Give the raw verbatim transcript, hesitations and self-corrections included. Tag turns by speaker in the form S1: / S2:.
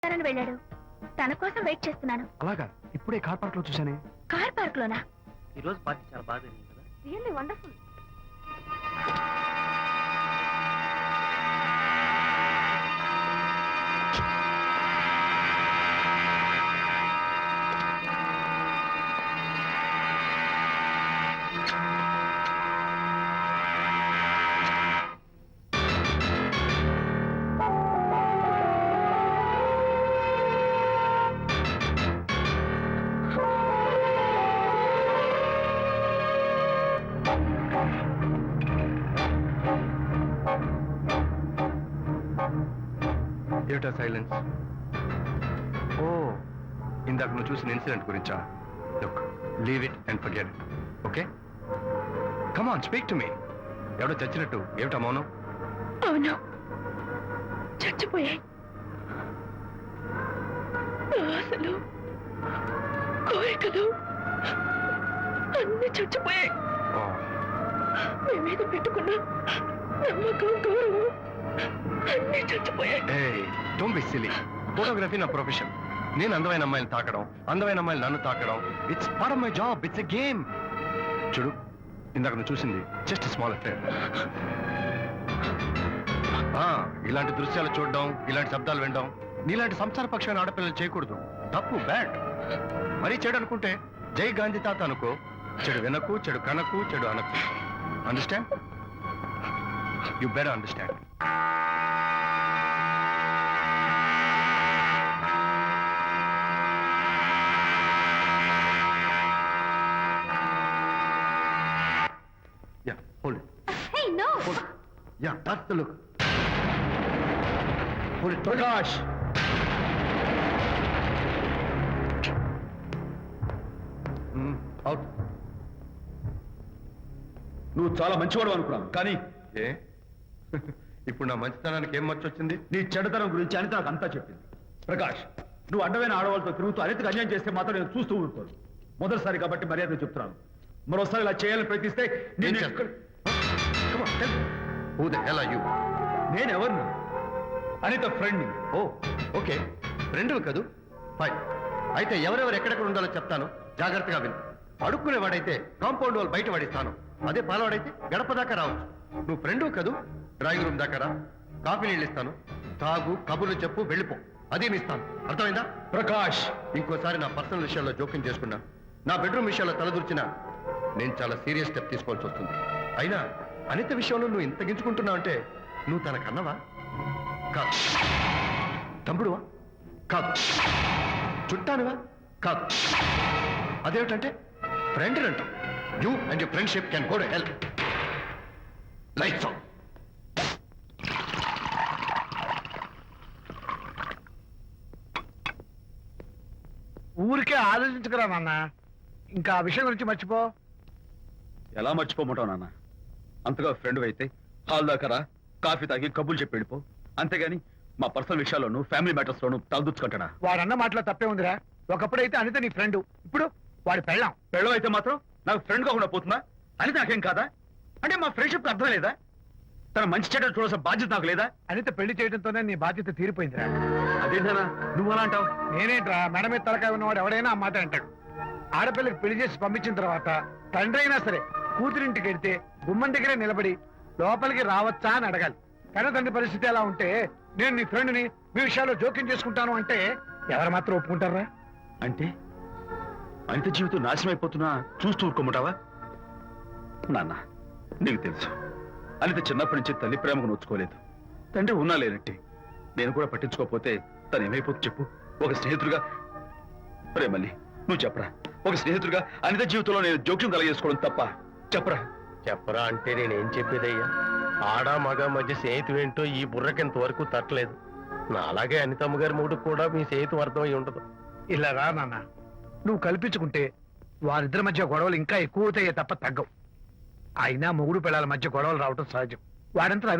S1: వెళ్ళాడు. తన కోసం వెయిట్ చేస్తున్నాను.
S2: అలాగా? ఇప్పుడే కార్ పార్క్ లో చూసానే.
S1: కార్ పార్క్ లోనా?
S3: ఈ రోజు పార్టీ చాలా బాగా జరిగింది కదా.
S1: Really wonderful.
S2: ఏమిటా సైలెన్స్? ఓ, ఇందాక నువ్వు చూసిన ఇన్సిడెంట్ గురించా? Look, leave it and forget it. Okay, come on, speak to me. ఎవడో చచ్చినట్టు ఏమిటా మౌనం?
S1: అవును, చచ్చిపోయాయి. ఆశలు, కోరికలు అన్ని చచ్చిపోయాయి. మీ మీద పెట్టుకున్న నమ్మకం, గౌరవం అన్ని చచ్చిపోయాయి.
S2: ఏయ్, డోంట్ బి సిల్లీ. ఫోటోగ్రఫీ నా ప్రొఫెషన్. నేను అందమైన అమ్మాయిని తాకడం, అందమైన అమ్మాయిలు నన్ను తాకడం, it's part of my job. It's a game. చూడు, ఇందాక నువ్వు చూసింది జస్ట్ స్మాల్ అఫేర్. ఇలాంటి దృశ్యాలు చూడడం, ఇలాంటి శబ్దాలు వినడం నీలాంటి సంసార పక్షమైన ఆడపిల్లలు చేయకూడదు. తప్పు, బ్యాడ్. మరీ చెడు అనుకుంటే జై గాంధీ తాత అనుకో. చెడు వినకు, చెడు కనకు, చెడు అనకు. Understand? You better understand. Yeah, hold it.
S1: Hey, no.
S2: Hold it. Yeah, that's the look. Hold it. Prakash! Mm, out.
S4: నువ్వు చాలా మంచివాడు అనుకున్నాను, కానీ
S2: ఏ ఇప్పుడు నా మంచితనానికి ఏం మర్చి వచ్చింది?
S4: నీ చెడుతనం గురించి అనిత నాకు అంతా చెప్పింది. ప్రకాష్, నువ్వు అడ్డమైన ఆడవాళ్ళతో తిరుగుతూ అనితకు అన్యాయం చేస్తే మాత్రం నేను చూస్తూ ఉంటాను. మొదటిసారి కాబట్టి మర్యాద చెప్తున్నాను. మరోసారి ఇలా చేయాలని ప్రయత్నిస్తే
S2: నేను
S4: నేను
S2: చేస్తాను. Come on, tell me. Who the hell are you?
S4: నేను ఎవరిని? అనిత ఫ్రెండ్.
S2: ఓ, ఓకే, ఫ్రెండ్లు కదూ. ఫైన్. అయితే ఎవరెవరు ఎక్కడెక్కడ ఉండాలో చెప్తాను, జాగ్రత్తగా విను. అడుక్కునేవాడైతే కాంపౌండ్ వాళ్ళు బయట వాడిస్తాను. అదే పాలవాడైతే గడప దాకా రావచ్చు. నువ్వు ఫ్రెండు కదూ, డ్రాయింగ్ రూమ్ దాకా రా. కాఫీ నీళ్ళు ఇస్తాను, తాగు, కబుర్లు చెప్పు, వెళ్ళిపో. అదేమి ఇస్తాను. అర్థమైందా?
S4: ప్రకాష్,
S2: ఇంకోసారి నా పర్సనల్ విషయాల్లో జోక్యం చేసుకున్నా, నా బెడ్రూమ్ విషయాల్లో తలదూర్చినా నేను చాలా సీరియస్ స్టెప్ తీసుకోవాల్సి వస్తుంది. అయినా అనిత విషయంలో నువ్వు ఇంత గించుకుంటున్నావు అంటే నువ్వు తన కన్నవా? కాదు. తమ్ముడువా? కాదు. చుట్టానువా? కాదు. అదేమిటంటే ఫ్రెండ్ అంటావు. You and your friendship can go to hell. Lights on.
S5: ఊరికే ఆలోచించుకురా నాన్న. ఇంకా ఆ విషయం గురించి మర్చిపో.
S4: ఎలా మర్చిపోమంటావు నాన్న? అంతగా ఫ్రెండ్ అయితే హాల్ దాకా రా, కాఫీ తాగి కబుర్లు చెప్పి వెళ్ళిపో. అంతేగాని మా పర్సనల్ విషయాల్లోనూ ఫ్యామిలీ మ్యాటర్స్ లోనూ తలదూర్చుకుంటాడా?
S5: వాడన్న మాటలో తప్పే ఉందిరా. ఒకప్పుడైతే అనిత నీ ఫ్రెండ్, ఇప్పుడు వాడి పెళ్ళాం.
S4: పెళ్ళం అయితే మాత్రం నాకు ఫ్రెండ్ కాకుండా పోతుందా? అని నాకేం కాదా? అంటే మా ఫ్రెండ్షిప్ అర్థం లేదా? తన మంచి చెడ్డ చూడాల్సిన బాధ్యత నాకు లేదా?
S5: అనిత పెళ్లి చేయడంతోనే నీ బాధ్యత తీరిపోయిందిరా.
S4: అదేంటనా నువ్వు అలా అంటావు?
S5: నేనేంట్రా, మెడ మీద తలకాయ ఉన్నవాడు ఎవడైనా ఆ మాట అంటాడు. ఆడపిల్లకి పెళ్లి చేసి పంపించిన తర్వాత తండ్రి అయినా సరే కూతురింటికి వెళ్తే గుమ్మం దగ్గరే నిలబడి లోపలికి రావచ్చా అని అడగాలి. కన్న తండ్రి పరిస్థితి ఎలా ఉంటే నేను నీ ఫ్రెండ్ని మీ విషయాల్లో జోక్యం చేసుకుంటాను అంటే ఎవరు మాత్రం ఒప్పుకుంటారా?
S4: అంటే అనిత జీవితం నాశనం అయిపోతున్నా చూస్తూ ఊరుకోమంటావా? నాన్న, నీకు తెలుసు అనిత చిన్నప్పటి నుంచి తల్లి ప్రేమకు నోచుకోలేదు. తండ్రి ఉన్నా లేనట్టి. నేను కూడా పట్టించుకోకపోతే తను ఏమైపోతుంది చెప్పు? ఒక స్నేహితుడిగా ప్రేమల్ని నువ్వు చెప్పరా? ఒక స్నేహితుడిగా అనిత జీవితంలో నేను జోక్యం కలగజేసుకోవడం తప్ప? చెప్పరా?
S3: చెప్పరా అంటే నేనేం చెప్పేదయ్యా? ఆడ మగ మధ్య స్నేహితు ఏంటో ఈ బుర్రకింత వరకు తట్టలేదు. నా అలాగే అనితమ్మ గారి మూడు కూడా మీ స్నేహితు అర్థమై ఉండదు.
S5: ఇలా రా నాన్న, నువ్వు కల్పించుకుంటే వారిద్దరి మధ్య గొడవలు ఇంకా ఎక్కువ అవుతాయే తప్ప తగ్గవు. అయినా మొగుడు పిల్లల మధ్య గొడవలు రావటం సహజం. వాడంతా